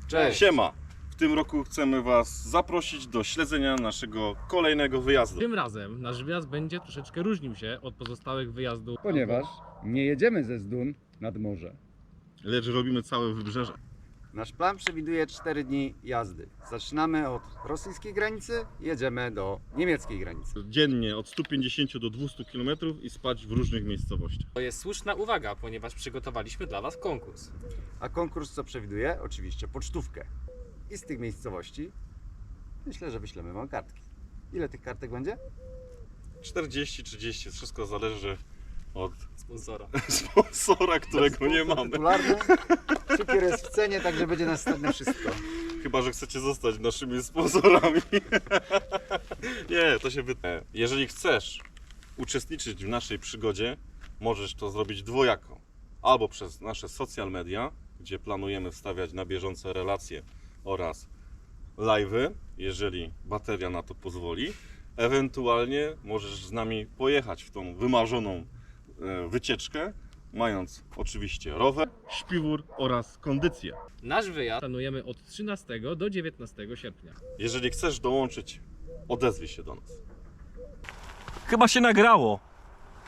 Cześć! Siema! W tym roku chcemy Was zaprosić do śledzenia naszego kolejnego wyjazdu. Tym razem nasz wyjazd będzie troszeczkę różnił się od pozostałych wyjazdów. Ponieważ nie jedziemy ze Zdun nad morze. Lecz robimy całe wybrzeże. Nasz plan przewiduje 4 dni jazdy. Zaczynamy od rosyjskiej granicy, jedziemy do niemieckiej granicy. Dziennie od 150 do 200 km i spać w różnych miejscowościach. To jest słuszna uwaga, ponieważ przygotowaliśmy dla Was konkurs. A konkurs co przewiduje? Oczywiście pocztówkę. I z tych miejscowości myślę, że wyślemy Wam kartki. Ile tych kartek będzie? 40-30, wszystko zależy od Sponsora. sponsora, którego nie mamy. Tytularny. Cukier jest w cenie, także będzie następne wszystko. Chyba że chcecie zostać naszymi sponsorami. Nie, to się wydaje. Jeżeli chcesz uczestniczyć w naszej przygodzie, możesz to zrobić dwojako. Albo przez nasze social media, gdzie planujemy wstawiać na bieżące relacje oraz live'y, jeżeli bateria na to pozwoli. Ewentualnie możesz z nami pojechać w tą wymarzoną wycieczkę, mając oczywiście rower, śpiwór oraz kondycję. Nasz wyjazd planujemy od 13 do 19 sierpnia. Jeżeli chcesz dołączyć, odezwij się do nas. Chyba się nagrało.